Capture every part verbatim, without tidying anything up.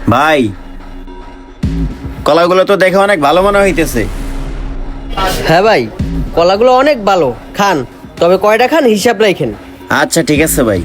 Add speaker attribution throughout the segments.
Speaker 1: ভাই, কলাগুলো তো দেখে অনেক ভালো মনে হইতেছে।
Speaker 2: হ্যাঁ ভাই, কলাগুলো অনেক ভালো, খান। তবে কয়টা খান হিসাব রাখেন।
Speaker 1: আচ্ছা ঠিক আছে ভাই।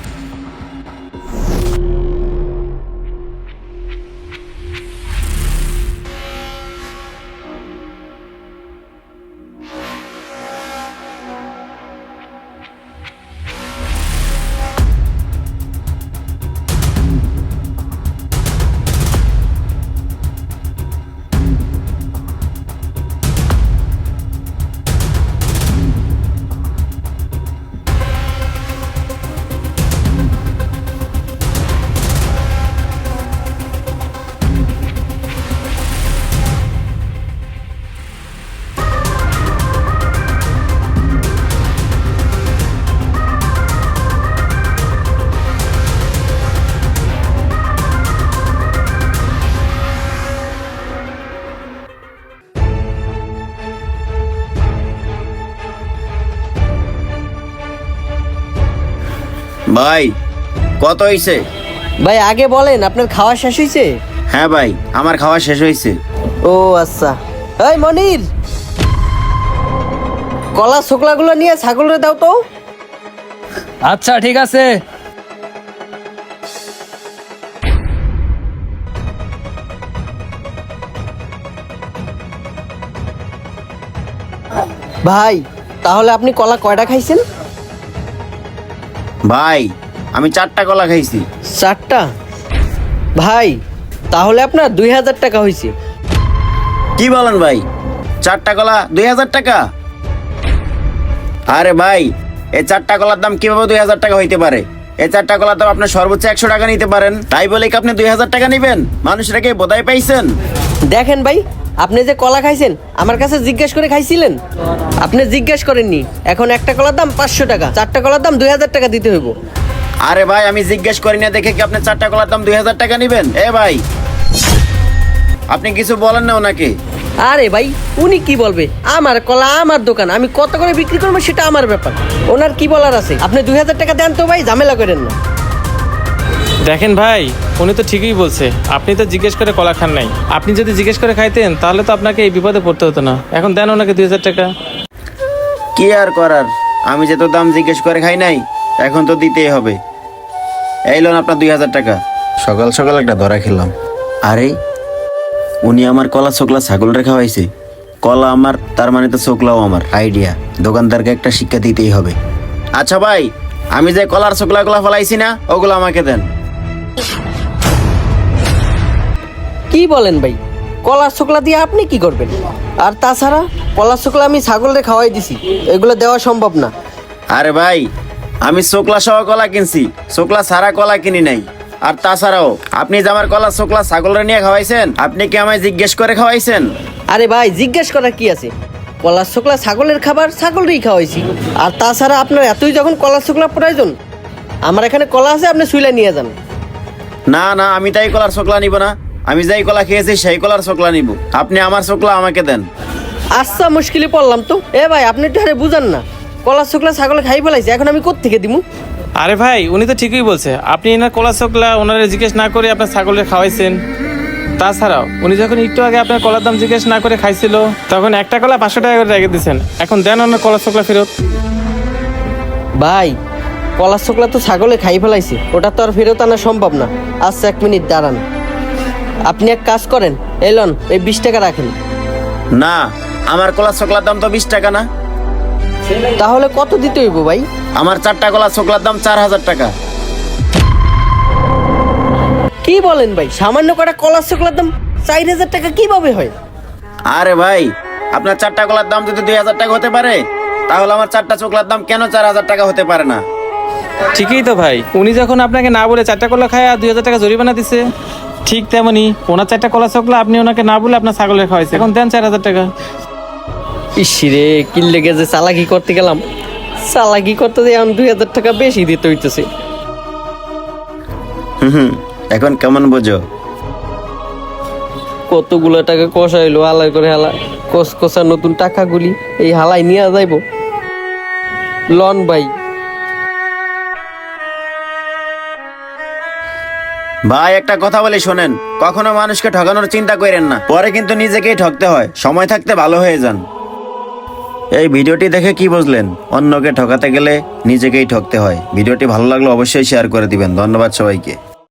Speaker 1: ভাই, কত হইছে?
Speaker 2: ভাই আগে বলেন, আপনার খাওয়া শেষ হয়েছে?
Speaker 1: হ্যাঁ ভাই, আমার খাওয়া শেষ হয়েছে।
Speaker 2: ও আচ্ছা। এই মনির, কলা শুকলাগুলো নিয়ে ছাগলরে দাও তো।
Speaker 3: আচ্ছা ঠিক আছে।
Speaker 2: ভাই তাহলে আপনি কলা কয়টা খাইছেন?
Speaker 1: ভাই, আমি চারটা কলা খাইছি।
Speaker 2: চারটা? ভাই তাহলে আপনার দুই হাজার টাকা হয়েছে।
Speaker 1: কি বলেন ভাই, চারটা কলা দুই হাজার টাকা? আরে ভাই, এই চারটা কলার দাম কিভাবে দুই হাজার টাকা হইতে পারে? এই চারটা কলার দাম আপনি সর্বোচ্চ একশো টাকা নিতে পারেন, তাই বলে কি আপনি দুই হাজার টাকা নিবেন? মানুষটাকে বোধাই পাইছেন?
Speaker 2: দেখেন ভাই, আপনি যে কলা খাইছেন আমার কাছে জিজ্ঞেস করে খাইছিলেন? আপনি জিজ্ঞেস করেননি। এখন একটা কলার দাম পাঁচশো টাকা, চারটা কলার দাম দুই হাজার টাকা দিতে হইব।
Speaker 1: আরে ভাই, আমি জিজ্ঞেস করি না দেখে কি আপনি চারটা কলার দাম দুই হাজার টাকা নিবেন? এ ভাই, আপনি কিছু বলেন না ওনাকে?
Speaker 2: আরে ভাই, উনি কি বলবে? আমার কলা আমার দোকান, আমি কত করে বিক্রি করবো সেটা আমার ব্যাপার। ওনার কি বলার আছে? আপনি দুই হাজার টাকা দেন তো ভাই, ঝামেলা করেন না।
Speaker 3: দেখেন ভাই, উনি তো ঠিকই বলছে, আপনি তো জিজ্ঞেস করে কলা খান নাই। আপনি যদি জিজ্ঞেস করে খাইতেন তাহলে তো আপনাকে এই বিপদে পড়তে হতো না। এখন দেন ওনাকে দুই হাজার টাকা।
Speaker 1: কি আর করার, আমি যে তো দাম জিজ্ঞেস করে খাই নাই, এখন তো দিতেই হবে। এই লোন আপনার দুই হাজার টাকা। সকাল সকাল একটা ধরা খেলাম। আরে, উনি আমার কলা চোকলা ছাগল রে খাওয়াইছে। কলা আমার, তার মানে তো চোকলাও আমার। আইডিয়া, দোকানদারকে একটা শিক্ষা দিতেই হবে। আচ্ছা ভাই, আমি যে কলার চোকলা গুলা ফলাইছি না, ওগুলো আমাকে দেন।
Speaker 2: কি বলেন ভাই? কলার শুকলা দিয়ে আপনি কি করবেন? আর তাছাড়া কলার শুকলা আমি ছাগলরে খাওয়াই দিছি, এগুলো দেওয়া সম্ভব না।
Speaker 1: আরে ভাই, আমি চোকলা সহ কলা কিনছি, চোকলা ছাড়া কলা কিনি নাই। আর তাছাড়াও আপনি যে আমার কলা চোকলা ছাগলরে নিয়ে খাওয়াইছেন, আপনি কি আমায় জিজ্ঞেস করে খাওয়াইছেন?
Speaker 2: আরে ভাই, জিজ্ঞেস করার কি আছে? কলার শুকলা ছাগলের খাবার, ছাগলরেই খাওয়াইছি। আর তাছাড়া আপনার এতই যখন কলার শুকলা প্রয়োজন, আমার এখানে কলা আছে, আপনি শুইলা নিয়ে যান।
Speaker 1: না না, আমি তাই কলার চোকলা নিব না। আমি যাই কলা খেয়েছি সেই কলার চোকলা নিব। আপনি আমার চোকলা আমাকে দেন।
Speaker 2: আচ্ছা, মুশকিলে পড়লাম তো। এ ভাই, আপনি একটু আরে বুঝান না, কলার শুকলা ছাগলে খাই ফেলাইছে, এখন আমি কোত্থেকে দিমু?
Speaker 3: আরে ভাই, উনি তো ঠিকই বলছে, আপনি এনার কলা চোকলা ওনারা জিজ্ঞেস না করে আপনার ছাগলের খাওয়াইছেন। তাছাড়াও উনি যখন একটু আগে আপনার কলার দাম জিজ্ঞেস না করে খাইছিল, তখন একটা কলা পাঁচশো টাকা করে রেখে দিয়েছেন। এখন দেন ওনার কলা চোকলা ফেরত।
Speaker 2: ভাই, কলার শুকলা তো ছাগলে খাই ফেলাইছে, ওটা তো আর ফেরত আনা সম্ভব না। আচ্ছা এক মিনিট দাঁড়ান, আপনি এক কাজ করেন, এলন এই বিশ টাকা রাখেন।
Speaker 1: না, আমার কলা চোকলার দাম তো বিশ টাকা না।
Speaker 2: তাহলে কত দিতে হইব ভাই?
Speaker 1: আমার চারটা কলা চোকলার দাম চার হাজার টাকা।
Speaker 2: কি বলেন ভাই? সামান্য কটা কলার শুকলার দাম চার হাজার টাকা কিভাবে হয়?
Speaker 1: আরে ভাই, আপনার চারটা কলার দাম যদি দুই হাজার টাকা হতে পারে, তাহলে আমার চারটা চোকলার দাম কেন চার হাজার টাকা হতে পারে না?
Speaker 3: ঠিকই তো ভাই, উনি যখন আপনাকে না বলে চারটা কলা খায় আর দুই হাজার টাকা জরিমানা দিছে, ঠিক তেমনি ওনার চারটা কলা চোকলা আপনি ওনাকে না বলে আপনার ছাগলের খাওয়াইছে, এখন দেন চার হাজার টাকা।
Speaker 2: ইসিরে, কি লেগে যে চালাকি করতে গেলাম, চালাকি করতে দিয়ে এখন দুই হাজার টাকা বেশি দিতে হইতেছে।
Speaker 1: হুম, এখন কেমন বোঝো?
Speaker 2: কতগুলো টাকা কষাইলো, হালাই করে হালা কষ কষা নতুন টাকাগুলি এই হালাই নিয়ে যাইব। লন ভাই।
Speaker 1: ভাই একটা কথা বলে শোনেন, কখনো মানুষকে ঠকানোর চিন্তা করেন না, পরে কিন্তু নিজেকেই ঠকতে হয়। সময় থাকতে ভালো হয়ে যান। এই ভিডিওটি দেখে কি বুঝলেন? অন্যকে ঠকাতে গেলে নিজেকেই ঠকতে হয়। ভিডিওটি ভালো লাগলে অবশ্যই শেয়ার করে দিবেন। ধন্যবাদ সবাইকে।